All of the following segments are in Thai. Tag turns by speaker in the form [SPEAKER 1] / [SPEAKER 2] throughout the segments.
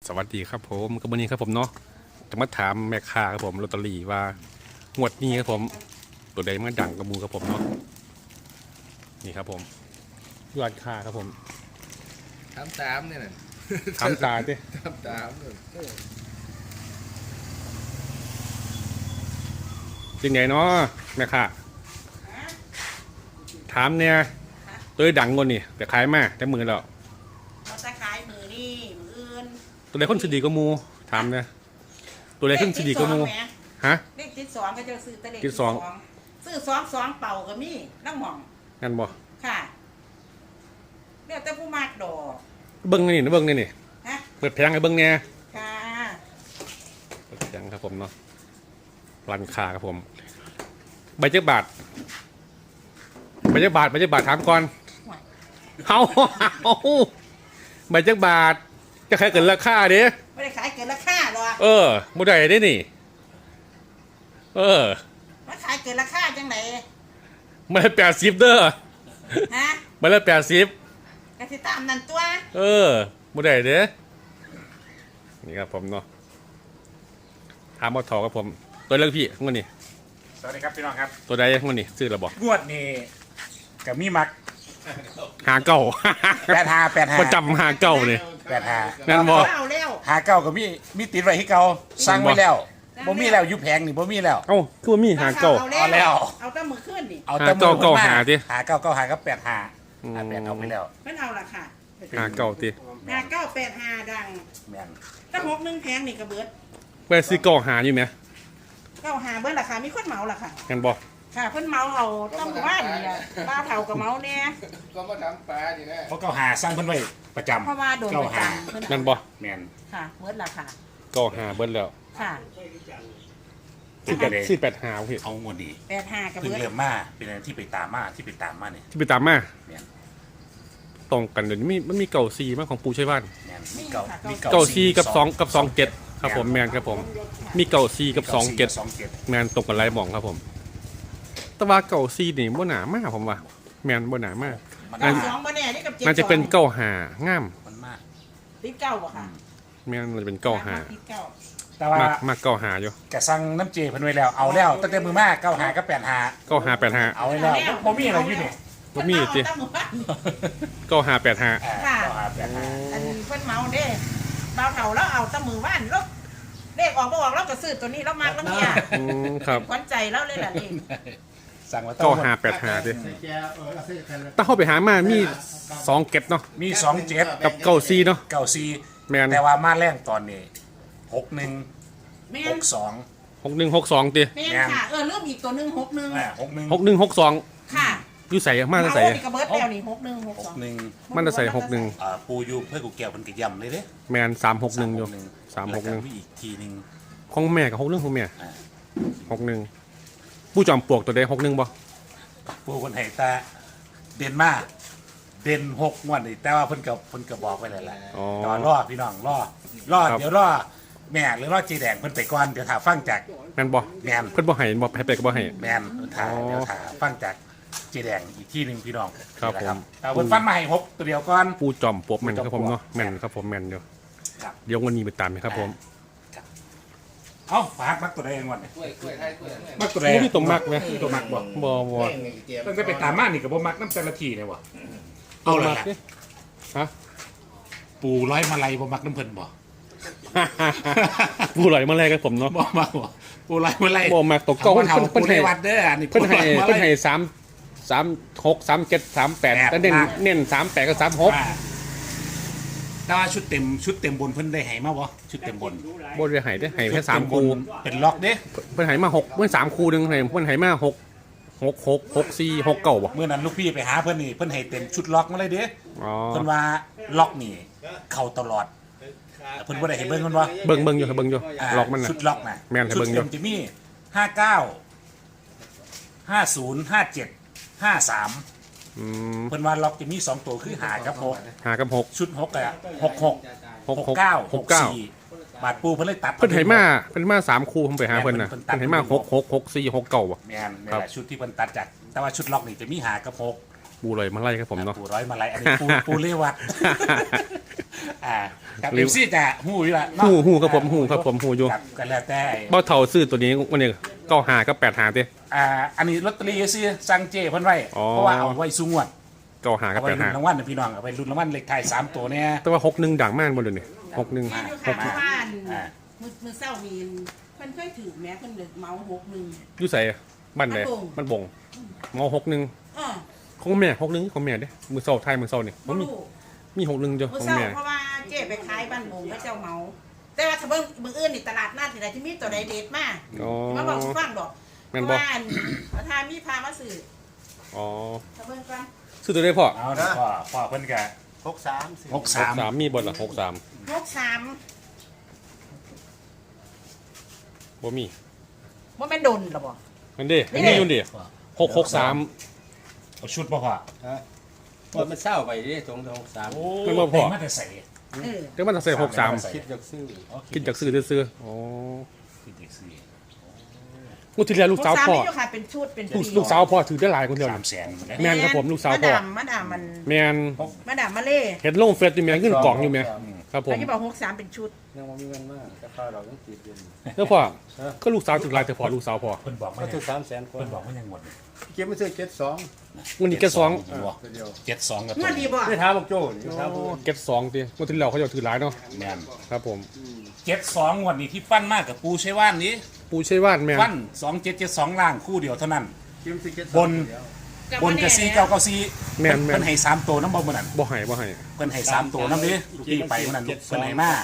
[SPEAKER 1] สวัสดีครับผมกับวันนี้ครับผมเนาะจะมาถามแม่ค้าครับผมลอตเตอรี่ว่างวดนี้ครับผมตัวใดมันดังกระมูครับผมเนาะนี่ครับผมยอดค่าครับผม
[SPEAKER 2] ตามเนี่ยนะ
[SPEAKER 1] ถามตาดิ
[SPEAKER 2] ตามเนี่ย
[SPEAKER 1] จริงไงเนาะแม่ค้าถามเนี่ยตัวใดดังกว่านี่แต่ขายมาแต่มือแล้ว
[SPEAKER 3] เราจะขายมือนี่มืออื่น
[SPEAKER 1] ตัวใดคนสดีก็มูถามเนี่ยตัวใดคนสดีก็มูฮะ
[SPEAKER 3] เลขติดสองก็จะซื้อแต่เลข
[SPEAKER 1] ติดสอง
[SPEAKER 3] ซื้อสองเป่าก็มีน้ำหม่อง
[SPEAKER 1] งั้นบ่
[SPEAKER 3] ค่ะเรียกแต่ผู้มากดอก
[SPEAKER 1] เบิ้งนี่นะเบิ้งนี่
[SPEAKER 3] ฮะ
[SPEAKER 1] เปิดแผงให้เบิ้งเนี่ย
[SPEAKER 3] ค่ะ
[SPEAKER 1] เปิดแผงครับผมเนาะร้านค้าครับผมใบเจ็บบาทใบเจ็บบาทใบเจ็บบาทถามก่อน
[SPEAKER 3] ห่วย
[SPEAKER 1] เอาใบเจ็บบาทจะใครเกินราคาเด้
[SPEAKER 3] ไม่ได้ขายเกินราคาหรอก
[SPEAKER 1] บ่ได้ได้นี่
[SPEAKER 3] มาขายเกินราคาจังไหน
[SPEAKER 1] มาละ80เด้อ
[SPEAKER 3] ฮะ
[SPEAKER 1] มาละ80
[SPEAKER 3] กสิตามนั่นตัว
[SPEAKER 1] บ่ได้เด้นี่ครับผมเนาะถามบ่ทอครับผมตัวเลือกพี่งวดนี้
[SPEAKER 4] สวัสดีครับพี่น้องครับ
[SPEAKER 1] ตัวใดงวดนี้ซื้อแล้วบ่
[SPEAKER 4] งวดนี้กับมีมัก
[SPEAKER 1] หาเก่า
[SPEAKER 4] 85
[SPEAKER 1] ประจำหาเก่านี่
[SPEAKER 4] 85
[SPEAKER 1] นั่นบ่
[SPEAKER 3] เอาแล้ว
[SPEAKER 4] หาเก้ากับมีติดไว้ให้เก่าสั่งไว้แล้วบ่มีแล้วอยู่แผงนี่บ่มีแล้ว
[SPEAKER 1] เอ้าคือว่ามีหาเก่า
[SPEAKER 4] เอาแล้ว
[SPEAKER 3] เอาแต่มือขึ้นดิ
[SPEAKER 4] เอาแต่มือ
[SPEAKER 1] หาเก้า
[SPEAKER 4] ผมม
[SPEAKER 1] หาดิ
[SPEAKER 4] หาเก้าเก้าหากับ85
[SPEAKER 1] อืม
[SPEAKER 4] แปดเอาไปแล้ว
[SPEAKER 3] ไม่เอาละค่ะ
[SPEAKER 1] หาเก่าติ
[SPEAKER 3] 5985ดัง
[SPEAKER 4] แม่น
[SPEAKER 3] ถ้า61แพงนี่ก็เบิด
[SPEAKER 1] ไปซื้อเก่าหาอยู่ไหม
[SPEAKER 3] 95เบิดราคามีคนเหมาล่ะค่ะ
[SPEAKER 1] งั้นบ่
[SPEAKER 3] ค่ะเพิ่นเมาเอาต้องว่านนี่แหละป้าเฒ่ากับเมาเนี่ย
[SPEAKER 2] ก็มาทำปลาดินะ
[SPEAKER 4] เพราะเก้าหาสร้างเพิ่นไว้ประจำ
[SPEAKER 3] เพราะว่าโดน
[SPEAKER 4] เก้า
[SPEAKER 3] ประ
[SPEAKER 4] หา
[SPEAKER 3] จำเพิ่น
[SPEAKER 1] งั้นบ่
[SPEAKER 4] แม่น
[SPEAKER 3] ค่ะเบิดละค่ะ
[SPEAKER 1] เก่าหาเบิ้ลแล้ว
[SPEAKER 3] ค่ะ
[SPEAKER 4] เป็นกันเลย
[SPEAKER 1] ซื้อ8หาพี่
[SPEAKER 4] เอางวดนี้
[SPEAKER 3] 85กับ
[SPEAKER 4] เพิ่ง
[SPEAKER 3] เบิด
[SPEAKER 4] เริ่มมาเป็นอะไรที่ไปตามมาเนี่ย
[SPEAKER 1] ที่ไปตามมา
[SPEAKER 4] แม่น
[SPEAKER 1] ตรงกันเดี๋ยวนี้มันมีเก่าซีมากของปูชัยบ้าน
[SPEAKER 4] แม่นมีเก้ามี
[SPEAKER 1] เก่าซีกับ2 7ครับผมแมนครับผมมีเก่าซีกับ2 7
[SPEAKER 4] 27
[SPEAKER 1] แมนตรงกันไรหมองครับผมแต่ว่าเก่าซีนี่บ่หนามากผมว่าแมนบ่หนามาก
[SPEAKER 4] มัน
[SPEAKER 3] เก้า
[SPEAKER 4] มา
[SPEAKER 3] สองบ่แน่นี่กับ7
[SPEAKER 1] น่าจะเป็นเก่าหางาม
[SPEAKER 4] มันมาก
[SPEAKER 3] ติดเก้าบ่ค่ะ
[SPEAKER 1] แมนมันจะเป็นเก่าหา
[SPEAKER 3] ติดเก้า
[SPEAKER 4] แต่ว่าม
[SPEAKER 1] ากเก่าหาอยู่
[SPEAKER 4] กะสั่งน้ำเจเพิ่นไว้แล้วเอาแล้วตั้งแต่มือมาเก้าหากับ85
[SPEAKER 1] เก่าหา8หา
[SPEAKER 4] เอาไว้แล้วบ่มีอะไรอยู่นี่
[SPEAKER 1] บ่มีติ
[SPEAKER 3] เพิ่นเาตั้งหมู่บ้าน
[SPEAKER 1] เก่าหา8หา
[SPEAKER 3] ค่ะ
[SPEAKER 4] เก้าหา85
[SPEAKER 3] อันเพิ่นเมาเด้บ่าวเฒ่าแล้วเอาแตั้งมือบ้านแล้วเลขออกบ่ออกเราก็ซื้อตัวนี้เรามากแล้วเนี่ย
[SPEAKER 1] ครับ
[SPEAKER 3] ขวัญใจเราเลยล่ะนี่
[SPEAKER 4] สั่งมา
[SPEAKER 1] เก่าหา8หาดิถ้าเข้าไปหามามี2เก็ตเนาะ
[SPEAKER 4] มี27
[SPEAKER 1] กับเก่าซีเนาะ
[SPEAKER 4] 94
[SPEAKER 1] แมน
[SPEAKER 4] แต่ว่ามาแรงตอนนี้61
[SPEAKER 3] แม่น
[SPEAKER 4] 62
[SPEAKER 1] 6162ติ
[SPEAKER 3] แม่นค่ะเริ่มอีกตัวหนึง61
[SPEAKER 4] 61
[SPEAKER 1] 6162
[SPEAKER 3] ค่ะ
[SPEAKER 1] อยู่ใส่มาจะใส่
[SPEAKER 3] เมานี่ก็เบิดแล้วนี่61 62
[SPEAKER 4] 61
[SPEAKER 1] มันจะใส่
[SPEAKER 4] ปูอยู่เพื่อกูแก้วเพิ่นก็ย่ำเลยเด้
[SPEAKER 1] 61แมน361อยู่
[SPEAKER 4] แล้วก็มีอีกทีหนึง
[SPEAKER 1] ของแม่กับ61ของแม่
[SPEAKER 4] อ่า
[SPEAKER 1] 61ผู้จอมปลวกตัวใด61บ่
[SPEAKER 4] ปูคนให้ตาเด่นมากเด่น6งวดนี่แต่ว่าเพิ่นก็บอกไว้แล้วแหละ
[SPEAKER 1] อ๋อ
[SPEAKER 4] รอพี่น้องรอ
[SPEAKER 1] ครับ
[SPEAKER 4] เดี๋ยวรอแม่หรือรอจีแดงเพิ่นไปก่อนเดี๋ยวถาฟังจาก
[SPEAKER 1] แม่นบ่
[SPEAKER 4] แม่น
[SPEAKER 1] เพิ่นบ่ให้บ่ให้ไปก็บ่ให้
[SPEAKER 4] แม่นถา
[SPEAKER 1] อ๋อ
[SPEAKER 4] เดี๋ยวถาฟังจากจีแดงอีกที่หนึงพี่น้อง
[SPEAKER 1] ครับ
[SPEAKER 4] นี่แหละ
[SPEAKER 1] ผม
[SPEAKER 4] แต่เพิ่นฟันมาให้6ตัวเดียวก่อน
[SPEAKER 1] ผู้จอมปลวกแม่นครับผมเนาะแม่นครับผมแม่นอยู่
[SPEAKER 4] ครับ
[SPEAKER 1] เดี๋ยววันนี้ไปตามนะครับผม
[SPEAKER 4] เอ้าฝากมักตัวใดงวดนี่
[SPEAKER 2] กล้วยไทยกล้วย
[SPEAKER 4] มักตัวใด
[SPEAKER 1] บ่มีตัวมักไหม
[SPEAKER 4] ตัวมักบ่
[SPEAKER 1] บ่
[SPEAKER 4] ตั้งแต่ไปตามมานี่ก็บ่มักน้ำแต่ละทีเนี่ยบ่เอาเลยล่ะ
[SPEAKER 1] ดิฮะ
[SPEAKER 4] ปูร้อยมาลัยบ่มักน้ำเพิ่นบ่
[SPEAKER 1] ผู้ไหลมาแลกกับผมเนาะ
[SPEAKER 4] บ่มักบ่ปูร้อยมาลัย
[SPEAKER 1] บ่มักตกเก้า
[SPEAKER 4] เพิ่น
[SPEAKER 1] เพิ่น
[SPEAKER 4] ให้
[SPEAKER 1] ให้
[SPEAKER 4] วัดเด้ออันนี้
[SPEAKER 1] เพิ่นให้
[SPEAKER 4] ปูร้อยมาลัย
[SPEAKER 1] เพิ่นให้36 37 38แล้วเน้น38กับ36
[SPEAKER 4] อ่าแต่ว่าชุดเต็มบนเพิ่นได้ให้มาบ่ชุดเต็มบน
[SPEAKER 1] บ่ได้ให้ได้ให้แค่
[SPEAKER 4] ชุดเต็
[SPEAKER 1] 3
[SPEAKER 4] บ
[SPEAKER 1] คู่
[SPEAKER 4] นเป็นล็อกเด้
[SPEAKER 1] เพิ่นให้มา6เพิ่น3คู่นึงให้เพิ่นให้มา6 6 4 6 9บ่
[SPEAKER 4] เมื่อนั้นลูกพี่ไปหาเพิ่นนี่เพิ่นให้เต็มชุดล็อกมาเลยเด้
[SPEAKER 1] อ๋อ
[SPEAKER 4] เพิ่นว่าล็อกนี่เข้าตลอดแต่เพิ่นบ่ได้ให้เบิ่งเพิ่นว่า
[SPEAKER 1] เบิ่งอยู่ครับเบิ่งอยู่
[SPEAKER 4] า
[SPEAKER 1] ล็อกมันน่ะ
[SPEAKER 4] ชุดล็อกน่ะ
[SPEAKER 1] แม่นให้
[SPEAKER 4] ชุด
[SPEAKER 1] เบิ่งอยู่
[SPEAKER 4] เต็มจะมี59 50 57 53
[SPEAKER 1] อืม
[SPEAKER 4] เพิ่นว่าล็อกจะมี2ตัวคือ5กับ6
[SPEAKER 1] หากับ6
[SPEAKER 4] ชุด6อ่ะ66 69 64บาทปูเพิ่นเลยตัด
[SPEAKER 1] เพิ่นให้มา3คู่ผมไปหาเพิ่นน่ะเพิ่นให้มา6 6 6 4 6 9บ่
[SPEAKER 4] แม่นนี่
[SPEAKER 1] ครับ
[SPEAKER 4] แหละชุดที่เพิ่นตัดจากแต่ว่าชุดล็อกนี่จะมี5กับ6
[SPEAKER 1] ปูลอยมาไล่ครับผมเนาะ
[SPEAKER 4] ปูร้อยมาลัยอันนี้ปูเรวัดกับเอฟซีจะหูอยู่ละ
[SPEAKER 1] หูครับผมหูครับผมหูอยู่
[SPEAKER 4] กันแล้วแต่
[SPEAKER 1] เบ้าเท่าซื้อตัวนี้วันนี้ก็หาก็8หาเต้
[SPEAKER 4] อันนี้ลอตเตอรี่ซื้อสั่งเจเพิ่นไว้
[SPEAKER 1] อ๋อ
[SPEAKER 4] เพราะว่าเอาไว้สูงวด
[SPEAKER 1] ก็หาก็
[SPEAKER 4] เอาไว้
[SPEAKER 1] 8
[SPEAKER 4] ลุ้
[SPEAKER 1] หาน
[SPEAKER 4] รางวัลนะพี่น้องเอาไว้ลุ้นรางวัลเลขท้าย3ตัวเนี่ย
[SPEAKER 1] แต่ว่า61ดังมากบนเดี๋ยวนี้61
[SPEAKER 3] นี่อยู่ค่ะที่บ้าน
[SPEAKER 4] อ่า
[SPEAKER 3] มือเศร้ามีเพิ่นเคยถือแม้เพิ่นเลยเมา6 1
[SPEAKER 1] อยู่ใส่บ้านไหนมันบ่งเมา61
[SPEAKER 3] อ้อ
[SPEAKER 1] ของแม่61ของแม่เด้มือเศร้าไทยมือเศร้านี่
[SPEAKER 3] บ่
[SPEAKER 1] มี
[SPEAKER 3] รู้
[SPEAKER 1] มี61จ้ะ
[SPEAKER 3] มื
[SPEAKER 1] ข
[SPEAKER 3] อ
[SPEAKER 1] อง
[SPEAKER 3] เศร้า
[SPEAKER 1] แม่
[SPEAKER 3] เพราะว่าเจ๊ไปขายบ้านโมงแล้วเจ้าเมา แต่ว่าถ้าเบิ่งมื้ออื่นนี่ตลาดนัดที่ใดที่มีตัวใดเด็ดมาก
[SPEAKER 1] อ๋อ
[SPEAKER 3] มาบอกฟังดอก
[SPEAKER 1] แม่นบ่
[SPEAKER 3] เพราะว่าถ้ามีพามาซื้อ
[SPEAKER 1] อ๋อ
[SPEAKER 3] ถ้าเบิ่งก่อน
[SPEAKER 1] ซื้อตัวได้พ่อ
[SPEAKER 4] เอาเดี๋ยวพ่อเพิ่นก็
[SPEAKER 2] 63
[SPEAKER 4] 63
[SPEAKER 1] 63มีบ่ล่ะ63
[SPEAKER 3] 63
[SPEAKER 1] บ่มี
[SPEAKER 3] บ่แม่นดนหรอบ่
[SPEAKER 1] นั่นเด้อันนี้อยู่ดิ663
[SPEAKER 4] เอาชุดบ่พ่อ
[SPEAKER 2] ฮะมันเศร้าไปดิตรง63
[SPEAKER 4] โอ้
[SPEAKER 1] เพิ่นบ่พอ
[SPEAKER 4] ได้มาแต่ใส่
[SPEAKER 3] เออ
[SPEAKER 1] เดี๋ยวมันจะใส่63
[SPEAKER 2] คิดจากซื้อ
[SPEAKER 1] กินจากซื้อซื้ออ๋อ
[SPEAKER 4] คิดจากซื้อ
[SPEAKER 1] งูที่แล้วลูกสาวพ่อ
[SPEAKER 3] 63นี่อยู่ค่ะเป็นชุดเป็นปี
[SPEAKER 1] ลูกสาวพ่อถือได้หลายคนเดียว
[SPEAKER 4] 300,000
[SPEAKER 1] แม่นครับผมลูกสาวพ่อ
[SPEAKER 3] มาดามมัน
[SPEAKER 1] แม่น
[SPEAKER 3] มาดามมาเล่
[SPEAKER 1] เห็นลงเฟซอยู่แม่เงินกล่องอยู่แม่ครับผม
[SPEAKER 3] แล้วที่บอก63เป็นชุด
[SPEAKER 2] ยังบ่มีเงินมากแต่ข้าวเราต้องติดอยู่
[SPEAKER 1] แล้วพ่อก็ลูกสาวถือหลายแต่พ่อลูกสาวพ่อ
[SPEAKER 4] เพิ่นบอกมา
[SPEAKER 2] ก็
[SPEAKER 4] ยัง
[SPEAKER 2] ถึง300,000กว่า
[SPEAKER 4] เพิ่นบอกมายังหมด
[SPEAKER 2] เก็บมาซื้อ72
[SPEAKER 1] วันนี้แกสอง
[SPEAKER 2] เดียว
[SPEAKER 4] 72กับ
[SPEAKER 3] งวดดีบ่
[SPEAKER 2] ได้ถามบอกโจ้นี่ถามผู้
[SPEAKER 1] เก็ตสองตีวันที่แล้วเขาจะถือหลายเนาะ
[SPEAKER 4] แม่น
[SPEAKER 1] ครับผม
[SPEAKER 4] 72งวดนี้ที่ปั้นมากกับปูใช้ว่านนี้
[SPEAKER 1] ปูใช่ว่านแม่
[SPEAKER 4] ปั้น2772ล่างคู่เดียวเท่านั้น
[SPEAKER 2] เก็บซื้อ72
[SPEAKER 4] บน บนกับ4994
[SPEAKER 1] แม่นแม่
[SPEAKER 4] เพิ่
[SPEAKER 1] น
[SPEAKER 4] นให้3ตัวน้ำบ่มื้อนั้น
[SPEAKER 1] บ่ให้บ่ให้
[SPEAKER 4] เพิ่นให้3ตัวน้ำนี้ลูกพี่ไปมื้อนั้นลูกเพิ่นให้มา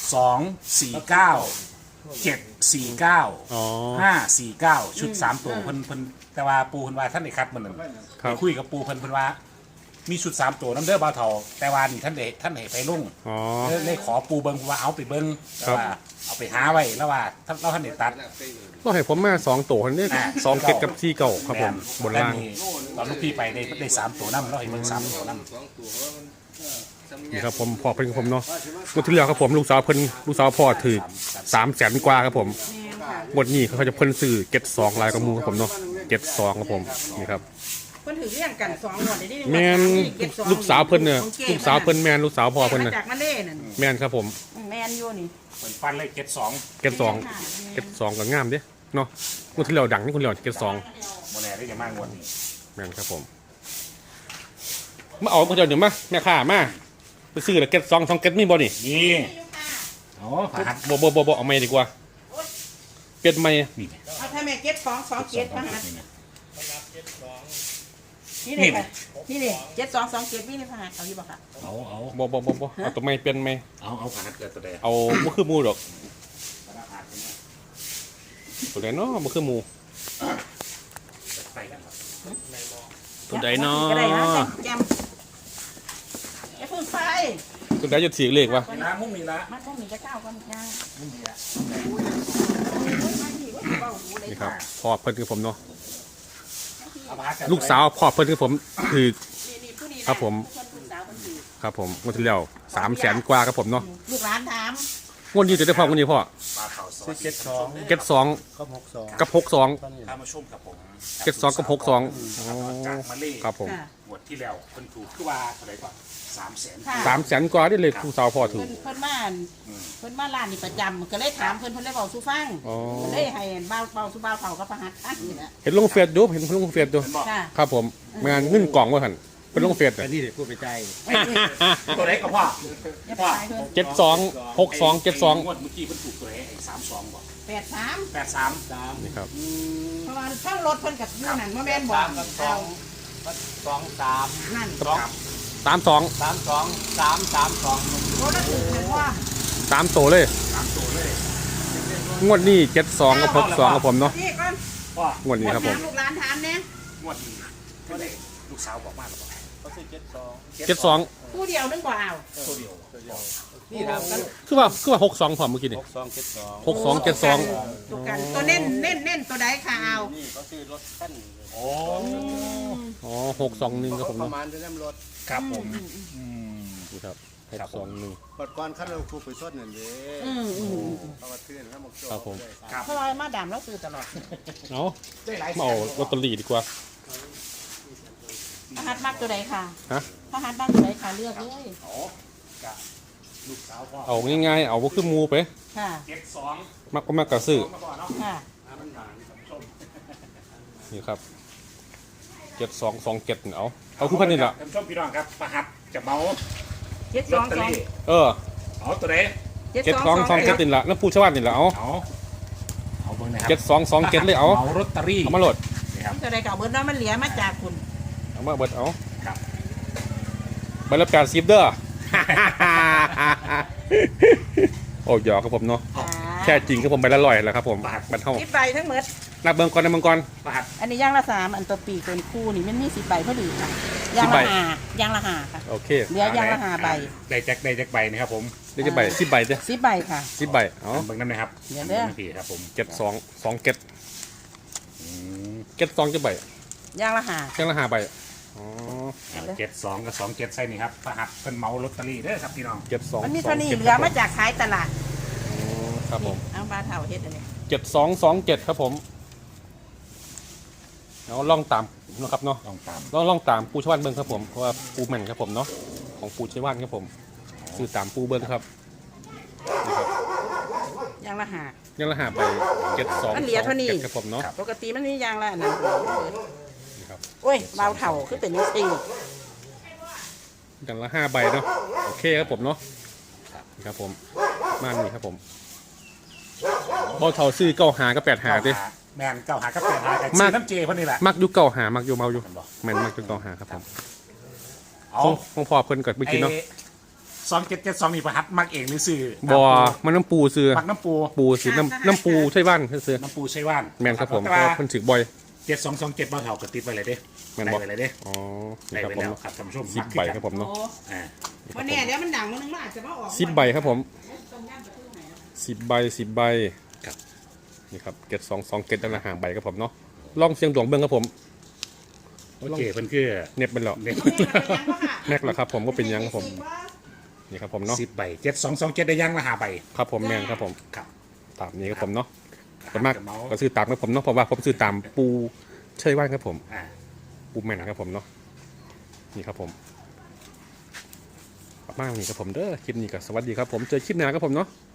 [SPEAKER 4] 249 749
[SPEAKER 1] อ๋อ
[SPEAKER 4] 549 ชุด 3 ตัวเพิ่นแต่ว่าปูเพิ่นว่าท่านได้คัดมื้อนั้น
[SPEAKER 1] ครับ
[SPEAKER 4] ไปคุยกับปูเพิ่นว่ามีชุด 3 ตัวน้ำเด้อบ่าวเฒ่าแต่ว่านี่ท่านให้ไปลง
[SPEAKER 1] อ๋อ
[SPEAKER 4] เลยขอปูเบิ่งว่าเอาไปเบิ่ง
[SPEAKER 1] ครับ
[SPEAKER 4] ว่าเอาไปหาไว้แล้วว่าท่านได้ตัด
[SPEAKER 1] ก็ให้ผมมา2ตัวนี่สองเก็ตกับ4เก่าครับผมบนล่าง
[SPEAKER 4] ตอนลูกพี่ไปได้3ตัวน้ำเราให้เบิ่ง3ตัวน้ำ
[SPEAKER 1] นี่ครับผมพ่อเพิ่นผมเนาะวันที่แล้วครับผมลูกสาวเพิ่นลูกสาวพ่อถือ300,000กว่าครับผม
[SPEAKER 3] แม่นค่ะ
[SPEAKER 1] งวดนี้เขาจะเพิ่นซื้อเก็ตสองลายกับหมูครับผมเนาะเก็ตสองครับผมนี่ครับ
[SPEAKER 3] เพิ่นถือเรียงกัน2งวดได้นี่
[SPEAKER 1] แม่นลูกสาวเพิ่นเนี่ยลูกสาวเพิ่นแม่นลูกสาวพ่อเพิ่น
[SPEAKER 3] มา
[SPEAKER 1] น่ะ
[SPEAKER 3] จากมาเล่นั่น
[SPEAKER 1] แม่นครับผม
[SPEAKER 3] แม่นอยู่นี่
[SPEAKER 4] เปิดฟันเลย72
[SPEAKER 1] เก็ตสองเก็ตสองก็งามเด้เนาะงวดที่แล้วดังนี่คนเดียวเก็ตสอง
[SPEAKER 4] โมแน่ได้ยังมากงวดนี้
[SPEAKER 1] แม่นครับผมมาเอาเดี๋ยวมาแม่ค้ามาไปซื้อแล้วเก็ตสองเก็ตมีบ่นี่
[SPEAKER 4] นี่โอ้ผ่าน
[SPEAKER 1] บ่เอาไม่ดีกว่าเปลี่ยนไม่
[SPEAKER 4] นี่
[SPEAKER 3] เอาถ้าแม่เก็ต2 2 7มาหานี่
[SPEAKER 4] นี่
[SPEAKER 3] เลยค่ะนี่เลย7 2 2 7นี่เลยค่ะเอาอยู่บ่ค่ะ
[SPEAKER 4] เอา
[SPEAKER 1] บ่เอาตัวไม่เปลี่ยนไม่
[SPEAKER 4] ผ่านเกิดตัวใด
[SPEAKER 1] เอาบ่คือหมูดอกตัวใดเนาะบ่คือหมู
[SPEAKER 4] ไปกันครับ
[SPEAKER 1] ตัวใดเนาะ
[SPEAKER 3] ก็ได้นะแจมอย่าเพิ่งไป
[SPEAKER 1] ตัวใดจะถือเลขวะ
[SPEAKER 4] มีละมุ้งมีละ
[SPEAKER 3] มันก็มีจะก้าวกันย่าง
[SPEAKER 4] มุ้งมีละ
[SPEAKER 1] นี่ครับพ่อเพิ่นคือผมเนาะ
[SPEAKER 4] เอาผ่านกัน
[SPEAKER 1] ลูกสาวพ่อเพิ่นคือผมถือ
[SPEAKER 3] นี่ผู้นี้
[SPEAKER 1] ครับผม
[SPEAKER 3] ลูกสาวคนถือ
[SPEAKER 1] ครับผมงวดที่แล้ว300,000กว่าครับผมเนาะ
[SPEAKER 3] ลูกหลานถาม
[SPEAKER 1] งวดนี้จะได้พ่องวดนี้พ่อ
[SPEAKER 4] ปลาเผาส
[SPEAKER 2] ซื้
[SPEAKER 4] วั
[SPEAKER 2] อ
[SPEAKER 4] สดี
[SPEAKER 2] 72
[SPEAKER 1] เก็ตสอง
[SPEAKER 2] ก็62
[SPEAKER 1] กับ62
[SPEAKER 4] ข้ามาชุ่มกับผม
[SPEAKER 1] เก็ตสองกับ62อ๋อ
[SPEAKER 4] จากมาเล่
[SPEAKER 1] ครับผม
[SPEAKER 3] ค่ะ
[SPEAKER 4] งวดที่แล้วคนถูกคือว่าเท่าไหร่ก่อน300,000
[SPEAKER 3] ค่ะ
[SPEAKER 1] 300,000กว่าได้เลยลูกสาวพ่อถือ
[SPEAKER 3] เพิ่นมาร้านนี่ประจำก็เลยถามเพิ่นเลยบอกสู้ฟัง
[SPEAKER 1] อ๋อ
[SPEAKER 3] ก็เลยให้เบาสู้เบาเขาก็ประหัดอันนี่แหละ
[SPEAKER 1] เห็นลงเฟซดูเห็นลงเฟซดู
[SPEAKER 4] เป็นบอก
[SPEAKER 3] ค่ะ
[SPEAKER 1] ครับผมงานเงินกล่องว่าหั่นเป็นลงเฟซ
[SPEAKER 2] อันนี้เดี๋ยวพูดไปใจ
[SPEAKER 4] ตัวไหนกับพ่อ
[SPEAKER 3] อย่าไปเพิ่น
[SPEAKER 1] 72 62
[SPEAKER 4] งวดเมื่อกี้เพิ่นถูกตัวไหนไอ้32บอก
[SPEAKER 3] 83
[SPEAKER 4] 83
[SPEAKER 1] นี่ครับ
[SPEAKER 3] เพราะว่าทั้งรถเพิ่นกับอยู่นั่นบ่แม่นบ่เอา
[SPEAKER 2] 23
[SPEAKER 3] นั่น
[SPEAKER 1] 32
[SPEAKER 2] 32
[SPEAKER 3] รถละถึงเพิ่นว่า
[SPEAKER 1] 3โตเลย
[SPEAKER 4] 3ตัวเลย
[SPEAKER 1] งวดนี้72กับ62กับผมเนาะ
[SPEAKER 3] พี่ก่อน
[SPEAKER 4] พ่อง
[SPEAKER 1] วดนี้ครับผม
[SPEAKER 3] ลูกหลานถามเนี่ย
[SPEAKER 4] งวดนี้ก็ได้ลูกสาวบอกมาแล้วบอก
[SPEAKER 2] เขาซื้อ72
[SPEAKER 1] 72
[SPEAKER 3] ผู้เดียวนึงบ่เอา
[SPEAKER 4] ตัวเดียว
[SPEAKER 2] นี่ถามกัน
[SPEAKER 1] คือว่า62พอเมื่อกี้นี่
[SPEAKER 2] 62 72
[SPEAKER 1] 62
[SPEAKER 3] ตัวกันตัวเน้นตัวใดค่ะเอา
[SPEAKER 2] นี่เขาซื้อรถขั้น
[SPEAKER 4] โอ้
[SPEAKER 1] อ๋อ621ครับผม
[SPEAKER 2] ประ
[SPEAKER 1] เนาะ
[SPEAKER 2] มาณจะน้ำรถ
[SPEAKER 4] ครับผม
[SPEAKER 1] นี่ครับ621
[SPEAKER 2] ปัดก่อนขั้นเราคูไปสดนั่นเด้
[SPEAKER 3] อืม
[SPEAKER 2] เขามาเตือนเขาบอกโจ้
[SPEAKER 1] ครับผม
[SPEAKER 3] เพราะว่ามาดามเราซื้อตลอด
[SPEAKER 1] เอา
[SPEAKER 4] ได้หลาย
[SPEAKER 1] มาเอาลอตเตอรี่ดีกว่า
[SPEAKER 3] อาหหัดมากตัวใดค่ะ
[SPEAKER 1] ฮะ
[SPEAKER 3] พระหัดมากตัวใดค่ะเลือกเลย
[SPEAKER 4] โอ้กับลูกสาวพ่อ
[SPEAKER 1] เอาง่ายๆเอาว่าขึ้นมูไป
[SPEAKER 3] ค่ะ
[SPEAKER 4] 72
[SPEAKER 1] มักก็มักกระซื้อ
[SPEAKER 4] มาก่อนเนาะ
[SPEAKER 3] ค่ะ
[SPEAKER 4] มันหวานท่านผู้ชม
[SPEAKER 1] นี่ครับ7227เอาคู่พันนี่ละ
[SPEAKER 4] ท่านผู้ชมพี่น้องครับประหัตจะเมา
[SPEAKER 3] เจ็ด
[SPEAKER 4] ล
[SPEAKER 3] ส
[SPEAKER 4] อ
[SPEAKER 3] อ
[SPEAKER 4] ต
[SPEAKER 3] ง
[SPEAKER 4] เตอ
[SPEAKER 3] สอง
[SPEAKER 4] รี่
[SPEAKER 1] เออ
[SPEAKER 4] เอาตัวไหน
[SPEAKER 1] 7227นี่ละน้ำปูชาวบ้านนี่ละเอา
[SPEAKER 4] เอาเบิ่งนะครั
[SPEAKER 1] 7227เลยเอา
[SPEAKER 4] เมาลอตเตอรี่
[SPEAKER 1] เอามาโหลด
[SPEAKER 4] นี่ครับ
[SPEAKER 3] ตัวใดเก่าเบิร์ดเนาะมันเหลือมาจากคุณ
[SPEAKER 1] เอามาเบิดเอา
[SPEAKER 4] ครับ
[SPEAKER 1] ใบละ80เด้อ โอ้ยอกครับผมเนาะ
[SPEAKER 3] ค่ะ
[SPEAKER 1] แค่จริงครับผมใบละ100แหละครับผมบัดเท่า
[SPEAKER 3] 10 ใบทั้งหมด
[SPEAKER 1] นับเบิ่งก่อนนับเบิ่งก่อน
[SPEAKER 4] ประหัต
[SPEAKER 3] อันนี้ย่างละ3อันตัวปีกเป็นคู่นี่มันมี10 ใบพอดีค่ะย่าง
[SPEAKER 1] 10ใบ
[SPEAKER 3] ละ5ย่างละ5ค่ะ
[SPEAKER 1] โอเค
[SPEAKER 3] เหลือย่างละ5 ใบ
[SPEAKER 4] ได้แจ็คใบนะครับผม
[SPEAKER 1] ได้กี่ใบ10ใบเด้อ
[SPEAKER 3] 10 ใบค่ะ
[SPEAKER 1] 10ใบเอา
[SPEAKER 4] เบิ่งน้ำนะครับ
[SPEAKER 3] เดี๋ยวเด้อ
[SPEAKER 4] พี่ครับผม
[SPEAKER 1] 7227
[SPEAKER 4] อืม
[SPEAKER 1] 72กี่ใบ
[SPEAKER 3] ย่างละ5
[SPEAKER 1] แค่ละ5ใบอ๋อ
[SPEAKER 4] 72กับ27ใส่นี่ครับประหัตเป็นเมาลอตเตอรี่เด้อครับพี่น้อง
[SPEAKER 1] 72
[SPEAKER 3] มันมีเท่านี้เหลือมาจากขายตลาด
[SPEAKER 1] ครับผม
[SPEAKER 3] เอาบาเท่าเฮ็ดอันนี้
[SPEAKER 1] 7227ครับผมเอาล่องตามนะครับเนาะ
[SPEAKER 4] ต้องตาม
[SPEAKER 1] ล่องตามปูชวานเบิ้งครับผมเพราะว่าปูแม่นครับผมเนาะของปูชวานครับผมซื้อตามปูเบิ้งครับนี่ครับ
[SPEAKER 3] ย่างละ
[SPEAKER 1] ยังละหาไป72
[SPEAKER 3] มันเหลือเท่านี้
[SPEAKER 1] ครับผมเนาะ
[SPEAKER 3] 5ปกติมันมีย่างละอันนั้น
[SPEAKER 1] นี่ครับ
[SPEAKER 3] โอ้ยเบาเท่าคือเป็นจังซี่
[SPEAKER 1] ยังละ5ใบเนาะโอเคครับผมเนาะนี่ครับผมมานี่ครับผมบอเท่าซื้อ9หากับ8หาดิ
[SPEAKER 4] แมนเก้าหากับแปดหากับ
[SPEAKER 1] มาก
[SPEAKER 4] น้ำเจพวกนี้แหละ
[SPEAKER 1] มักอยู่9หามักอยู่เมาอยู่
[SPEAKER 4] มันบอก
[SPEAKER 1] แม่นมักอยู่9หาครับผม
[SPEAKER 4] เอา
[SPEAKER 1] ของพ่อเพิ่นเกิดเมื่อกี้เนาะ
[SPEAKER 4] 2772นี่ประหัตมักเองหรือซื้อบ
[SPEAKER 1] อมันน้ำปูซื้อ
[SPEAKER 4] มักน้ำปู
[SPEAKER 1] ปูซื้อน้ำปูใช่บ้านซื้อ
[SPEAKER 4] น้ำปูใช่ว่าน
[SPEAKER 1] แม่นครับผมเพ
[SPEAKER 4] แต่
[SPEAKER 1] ราะ
[SPEAKER 4] ว่า
[SPEAKER 1] ว่าเพิ่นถือบ่อย
[SPEAKER 4] 7227บ้าเถากระติดไว้เลยเด้
[SPEAKER 1] แม่น
[SPEAKER 4] ได้
[SPEAKER 1] บอก
[SPEAKER 4] ไว้เลยเด้
[SPEAKER 1] อ๋อ
[SPEAKER 4] ได้
[SPEAKER 1] นี่ครับ
[SPEAKER 4] ไว้
[SPEAKER 1] ผม
[SPEAKER 4] แล้วครับท่านผู้ชม
[SPEAKER 1] 10ใบครับผมเนาะ
[SPEAKER 4] อ่า
[SPEAKER 3] วันนี้เดี๋ยวมันดังมันนึงมันอาจจะมาออก
[SPEAKER 1] 10ใบครับผม10ใบ10ใบ
[SPEAKER 4] ครับ
[SPEAKER 1] นี่ครับเกต2 เกตละ5ใบครับผมเนาะลองเสียงดวงเบิ่งครับผม
[SPEAKER 4] โอเคเพิ่นคือ
[SPEAKER 1] เน็บเป็นหรอ
[SPEAKER 4] เด็ก
[SPEAKER 1] แม็กเหรอครับผมก็เป็นยังครับผมนี่ครับผมเนาะ
[SPEAKER 4] 10ใบ7227ได้ยังละ5ใบ
[SPEAKER 1] ครับผมแมนครับผม
[SPEAKER 4] ครับ
[SPEAKER 1] ตามนี้ครับผมเนาะส่วนมาก
[SPEAKER 4] เมา
[SPEAKER 1] ก็ซื้อตามครับผมเนาะเพราะว่าผมซื้อตามปูใช่ว่านครับผม
[SPEAKER 4] อ่า
[SPEAKER 1] ปูแมนครับผมเนาะนี่ครับผมมากนี่ครับผมเด้อคลิปนี้ก็สวัสดีครับผมเจอคลิปหน้าครับผมเนาะ